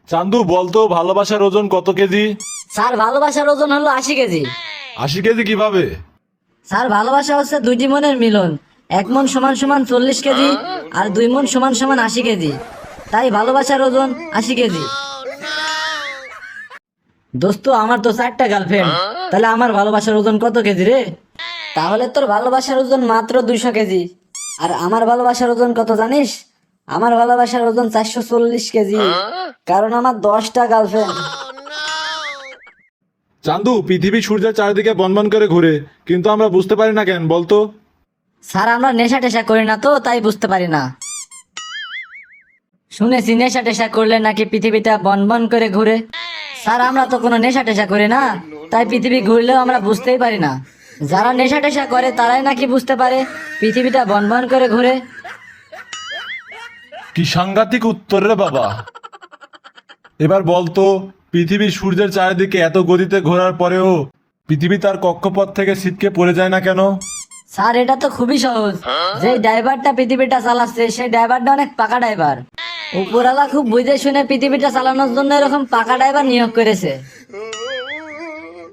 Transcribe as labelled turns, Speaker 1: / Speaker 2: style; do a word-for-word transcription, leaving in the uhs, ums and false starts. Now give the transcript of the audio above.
Speaker 1: চান্দু বলতো ভালোবাসার ওজন কত কেজি?
Speaker 2: স্যার ভালোবাসার ওজন হলো আশি কেজি।
Speaker 1: আশি কেজি কিভাবে?
Speaker 2: স্যার ভালোবাসা হচ্ছে দুইটি মনের মিলন। এক মন সমান সমান চল্লিশ কেজি আর দুই মন সমান সমান আশি কেজি, তাই ভালোবাসার ওজন আশি কেজি। দোস্ত আমার তো চারটা গার্লফ্রেন্ড, তাহলে আমার ভালোবাসার ওজন কত কেজি রে? তাহলে তোর ভালোবাসার ওজন মাত্র দুইশো কেজি। আর আমার ভালোবাসার ওজন কত জানিস? আমার ভালোবাসার ওজন চারশো চল্লিশ কেজি, কারণ আমার দশটা গার্লফ্রেন্ড।
Speaker 1: চান্দু পৃথিবী সূর্যের চারিদিকে বনবন করে ঘুরে, কিন্তু আমরা বুঝতে পারি না কেন বলতো?
Speaker 2: স্যার আমরা নেশা টেশা করি না তো, তাই বুঝতে পারি না। শুনেছি নেশা টেশা করলে নাকি পৃথিবীটা বন বন করে ঘুরে। স্যার আমরা তো কোনো নেশা টেশা করি না, তাই পৃথিবী ঘুরলেও আমরা বুঝতেই পারি না। যারা নেশা টেশা করে তারাই নাকি বুঝতে পারে পৃথিবীটা বন বন করে ঘুরে।
Speaker 1: কি সাংঘাতিক উত্তর রে বাবা। এবার বলতো, পৃথিবী সূর্যের চারিদিকে এত গতিতে ঘোরার পরেও পৃথিবী তার কক্ষপথ থেকে ছিটকে পড়ে যায় না কেন?
Speaker 2: স্যার এটা তো খুবই সহজ। যে ড্রাইভারটা পৃথিবীটা চালাচ্ছে সেই ড্রাইভারটা অনেক পাকা ড্রাইভার। উপরওয়ালা খুব বুঝে শুনে পৃথিবীটা চালানোর জন্য এরকম পাকা ড্রাইভার নিয়োগ করেছে।